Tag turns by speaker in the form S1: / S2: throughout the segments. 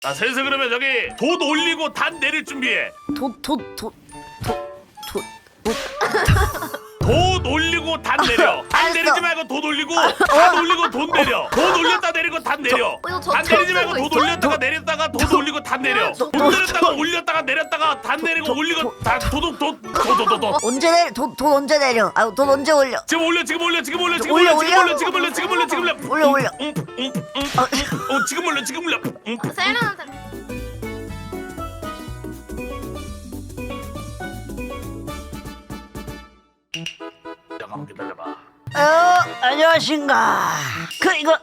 S1: 자, 슬슬 그러면 저기 돛 올리고 단 내릴 준비해.
S2: 돛
S1: 돛 올리고 단 내려. 단
S2: 알았어.
S1: 내리지 말고 돛 올리고 단 올리고 돛 내려. 돛 올렸다 내리고 단 내려. 단 내리지 말고 돛 올렸다가 내렸다가 돛 올리고 단 내려. 돛 내렸다가 올렸다가 내렸다가 단 내리고 올리고 단 도둑 돛.
S2: 언제 내려? 돛 언제 내려? 아, 돛 언제 올려?
S1: 지금 올려 지금 올려 지금 올려 지금
S2: 올려,
S1: 올려 지금
S2: 올려?
S1: 올려 지금 올려 지금 올려 지금 올려.
S2: 올려.
S1: 지금 올려 지금 올려.
S3: 셀러한테
S1: 잠깐만 기다려봐.
S2: 안녕하신가? 이거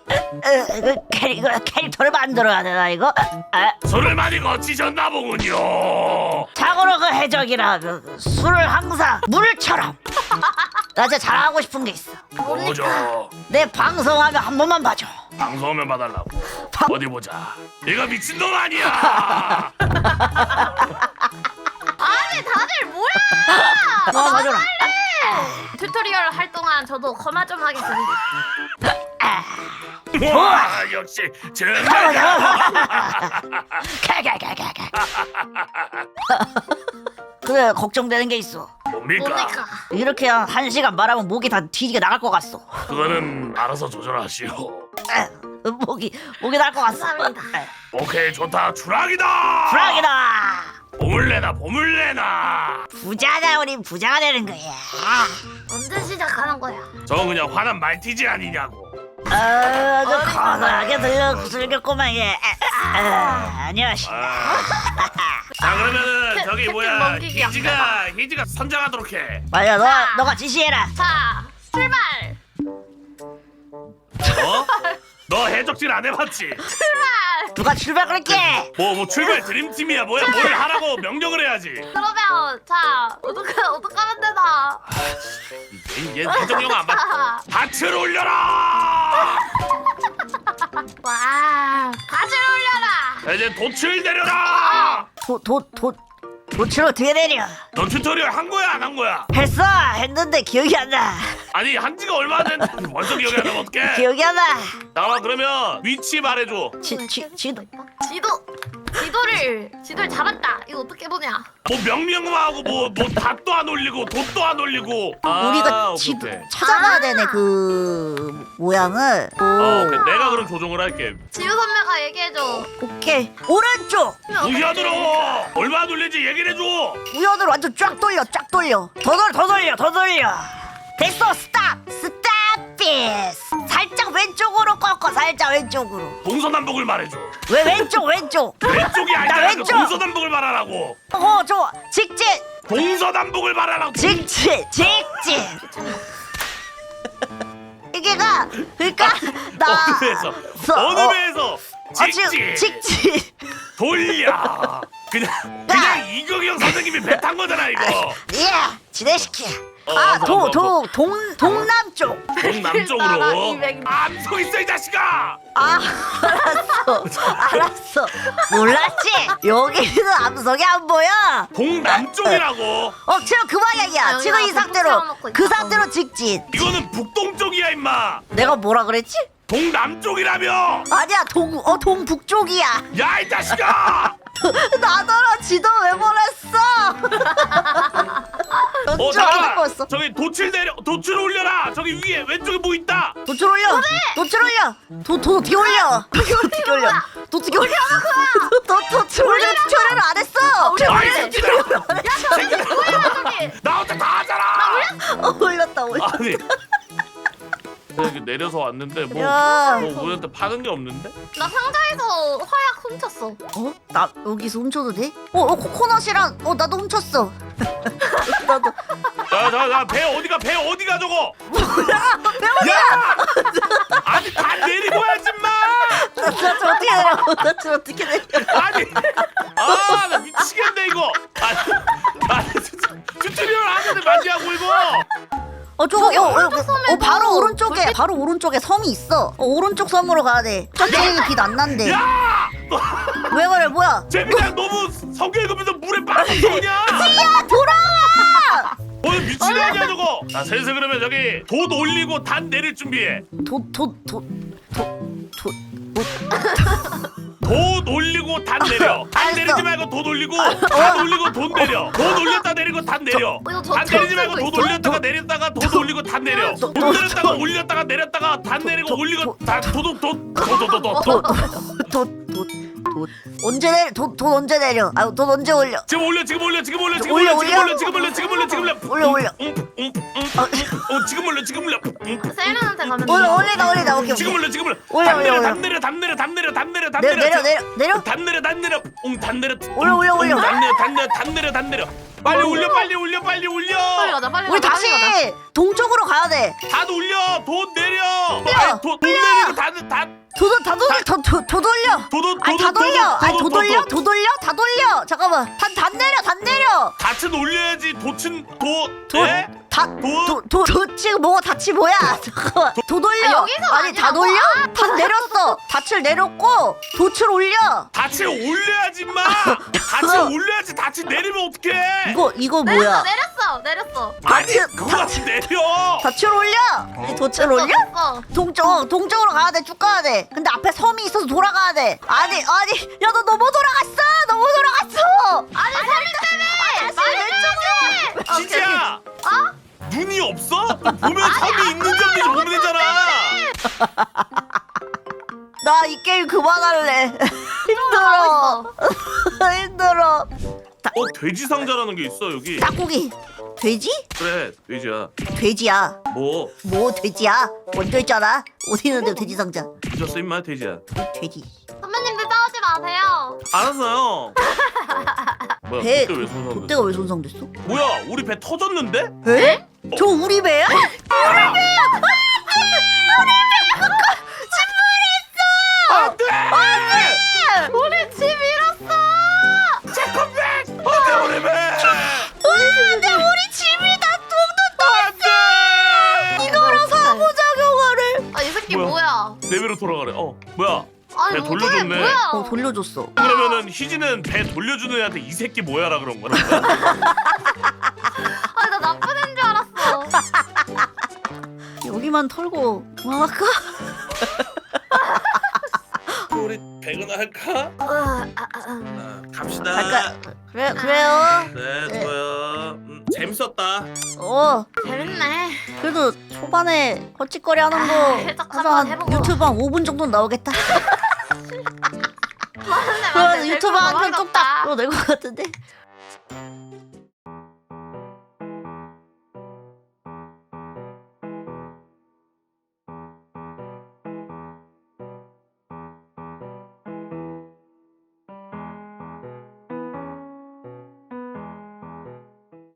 S2: 캐릭터를 만들어야 되나 이거?
S1: 술을 많이 거치셨나 보군요.
S2: 자고로 그 해적이라 술을 항상 물처럼. 나 진짜 자랑하고 싶은 게 있어.
S1: 뭐죠?
S2: 내 방송하면 한 번만 봐줘.
S1: 방송하면 봐달라고. 어디 보자. 얘가 미친놈 아니야.
S3: 아니 다들 뭐야?
S2: 봐줘라.
S3: 튜토리얼 할 동안 저도 거마 좀 하겠습니다.
S1: 와 역시 정말이야.
S2: 그래, 걱정되는 게 있어.
S1: 뭡니까?
S3: 뭡니까?
S2: 이렇게 한 시간 말하면 목이 다 뒤지게 나갈 것 같소.
S1: 그거는 알아서 조절하시오.
S2: 목이 나갈 것 같소.
S3: 감사합니다.
S1: 오케이 좋다. 추락이다.
S2: 불악이다.
S1: 보물내나 보물내나.
S2: 부자다, 우리 부자가 되는 거야.
S3: 언제 시작하는 거야?
S1: 저건 그냥 화난 말티즈 아니냐고.
S2: 아주 거나하게 들렸구만 얘. 안녕하십니까.
S1: 자 그러면은 저기
S3: 캡틴
S1: 뭐야
S3: 넘기기
S1: 희지가 선장하도록 해.
S2: 맞아, 너가 지시해라.
S3: 자 출발.
S1: 어? 너 해적질 안 해봤지?
S3: 출발.
S2: 누가 출발 그럴게.
S1: 뭐 출발 드림팀이야 뭐야 뭘 하라고 명령을 해야지.
S3: 그러면 자 어떡하면 되나?
S1: 얘 해적용 안 봤. 밭을 올려라.
S3: 와 가지를 올려라.
S1: 자, 이제 돛을 내려라.
S2: 도출 어떻게 내려?
S1: 너 튜토리얼 한 거야 안 한 거야?
S2: 했는데 기억이 안 나.
S1: 아니 한 지가 얼마 됐는데 벌써 기억이 안 나면 어떡해?
S2: 기억이 안 나.
S1: 나와 그러면 위치 말해줘.
S3: 지도를 잡았다. 이거 어떻게 보냐?
S1: 뭐 명령만 하고 뭐 닷도 안 올리고 돛도 안 올리고.
S2: 우리가
S1: 오케이,
S2: 지도
S1: 오케이.
S2: 찾아가야 되네, 그 모양을.
S1: 오케이. 내가 그럼 조종을 할게.
S3: 지우 선배가 얘기해줘.
S2: 오케이. 오른쪽.
S1: 우연으로 얼마 돌리지 얘기를 해줘.
S2: 우연으로 완전 쫙 돌려. 더 돌려. 됐어. 스탑 this. 살짝 왼쪽으로 꺾어. 살짝 왼쪽으로.
S1: 동서남북을 말해줘.
S2: 왜 왼쪽?
S1: 왼쪽이
S2: 나
S1: 아니라 그
S2: 왼쪽.
S1: 동서남북을 말하라고.
S2: 좋아. 직진.
S1: 동서남북을 말하라고.
S2: 직진. 이게가 그러니까 나
S1: 어느 배에서 어느 배에서 직진 돌려. 그냥 이경영 선생님이 배 탄 거잖아 이거.
S2: 예, 진행시켜. 동남쪽.
S1: 동남쪽으로.
S3: 200.
S1: 암소 있어 이 자식아.
S2: 알았어. 몰랐지? 여기는 암석이 안 보여.
S1: 동남쪽이라고.
S2: 지금 그 방향이야. 지금 이 상태로
S3: 세워놓고
S2: 그
S3: 있다.
S2: 상태로 직진.
S1: 이거는 북동쪽이야 임마.
S2: 내가 뭐라 그랬지?
S1: 동남쪽이라며.
S2: 아니야, 동북쪽이야.
S1: 야 이 자식아.
S2: 나더러 지도 왜 보냈어?
S1: 잠깐만. 저기 도출 올려라. 저기 위에 왼쪽에 뭐 있다.
S2: 도출 올려. 도출 올려. 어떻게 올려? 어떻게 올려? 도출 올려. 도출 튜토리얼을 안 했어.
S1: 아이 새끼들아. 나 혼자 다 하잖아.
S2: 올렸다.
S1: 아니 여기 내려서 왔는데
S2: 야.
S1: 우리한테 파는 게 없는데?
S3: 나 상자에서 화약 훔쳤어.
S2: 나 여기서 훔쳐도 돼? 코코넛이랑 나도 훔쳤어. 나도.
S1: 배 어디가 저거? 뭐야? 야! 아니 다 내리고 해야지 마.
S2: 나 어떻게 내려?
S1: 아니 나 미치겠네 이거. 아니 진짜 튜토리얼 하는데 만지하고 이거.
S2: 바로 오른쪽에 섬이 있어. 오른쪽 섬으로 가야 돼. 저쪽에 빛 안 난대.
S1: 야!
S2: 왜 그래? 뭐야?
S1: 재민아 너무 성격 읽으면서 물에 빠졌어 그냥.
S2: 야, 돌아와!
S1: 오늘 미친 거 아니야 저거. 자 슬슬 그러면 저기 돛 올리고 단 내릴 준비해.
S2: 돛
S1: 돈 올리고 단 내려. 단
S2: 알았어.
S1: 내리지 말고 돈 올리고 단 올리고 돈 내려. 돈 올렸다 내리고 단 내려.
S3: 이거 저
S1: 단 내리지 말고
S3: 들고
S1: 돈
S3: 있어?
S1: 올렸다가 내렸다가 돈 올리고 단 내려. 돈 내렸다가 올렸다가 내렸다가 단 내리고 올리고 단 도도도도도도도.
S2: 돈 언제 내려? 돈 언제 내려? 아유 돈 언제 올려?
S1: 지금 올려 지금 올려 지금 올려 지금
S2: 올려,
S1: 올려 지금
S2: 올려?
S1: 올려 지금 올려 지금 올려 지금 올려
S2: 올려.
S1: 지금 올려 지금 올려
S3: 셀린한테 가면 돼.
S2: 올리다 오케이.
S1: 지금 올려 지금 올려
S2: 올려,
S1: 담 내려
S2: 올려.
S1: 담 내려 담 내려 담 내려 담 내려 담
S2: 내려
S1: 내려
S2: 내려.
S1: 담 내려 담 내려 담 내려
S2: 올려.
S1: 담 내려 담 내려 담 내려 담 내려 빨리 올려 빨리 올려 빨리 올려
S3: 빨리 가자 빨리
S2: 우리
S3: 가자.
S2: 다시
S3: 빨리 가자.
S2: 동쪽으로 가야 돼.
S1: 다 돌려 돈 내려
S2: 올려.
S1: 돈 내리고 다
S2: 다 돌려.
S1: 도도
S2: 아니 다 돌려. 아니 도 돌려. 다 돌려. 잠깐만. 단 내려.
S1: 닻은 올려야지 도친 도 예?
S2: 지금 뭐가 닻이 뭐야? 잠깐만. 도 돌려.
S3: 아, 여기서
S2: 아니 다
S3: 아니라고?
S2: 돌려? 다 내렸어. 닻을 내렸고 돛을 올려.
S1: 닻을 올려야지 마 닻을 올려야지 닻을 내리면 어떡해
S2: 이거 뭐야?
S3: 내렸어.
S1: 아니
S2: 닻을-
S1: 그거 내려
S2: 돛을 올려. 돛을 올려?
S3: 됐어.
S2: 동쪽으로 가야 돼. 쭉 가야 돼. 근데 앞에 섬이 있어서 돌아가야 돼. 아니, 야 너 너무 돌아갔어.
S3: 아니 소리 때문에 말이 왼쪽으로.
S1: 지지야 눈이 없어? 보면 섬이 있는지 없는지 보면 되잖아
S2: 나 이 게임 그만할래. 힘들어. 힘들어.
S1: 돼지 상자라는 게 있어 여기
S2: 닭고기. 돼지?
S1: 그래 돼지야
S2: 돼지야.
S1: 뭐
S2: 돼지야? 먼저 있잖아. 어디 있는데 돼지 상자?
S1: 잊었어 임마 돼지야
S2: 돼지.
S3: 선배님들 싸우지 마세요.
S1: 알았어요 뭐야
S2: 배.
S1: 그때 왜 손상됐어
S2: 그때가 왜 손상됐어?
S1: 뭐야 우리 배 터졌는데?
S2: 에? 저 우리 배야?
S1: 안돼!
S3: 우리 집 잃었어.
S1: 체크백! 안돼 우리 배!
S2: 근데 우리 집이 다
S1: 안돼!
S2: 이거랑 상호작용하래.
S3: 이 새끼
S1: 뭐야?
S3: 뭐야?
S1: 내 배로 돌아가래 뭐야
S3: 아니
S1: 배
S3: 모델이
S1: 돌려줬네.
S3: 뭐야?
S2: 돌려줬어.
S1: 그러면은 희진은 배 돌려주는 애한테 이 새끼 뭐야라 그런 거야
S3: 아니 나 나쁜 애인 줄 알았어.
S2: 여기만 털고 그만할까?
S1: 우리 배그나 할까? 갑시다
S2: 갈까? 그래요.
S1: 네 좋아요 재밌었다
S3: 재밌네.
S2: 그래도 초반에 헛짓거리 하는
S3: 살짝
S2: 거
S3: 한번
S2: 한
S3: 해보고.
S2: 유튜브 한 5분 정도 나오겠다.
S3: 맞네.
S2: 그러면 유튜브 한편 뚝딱 또 낼 것 같은데.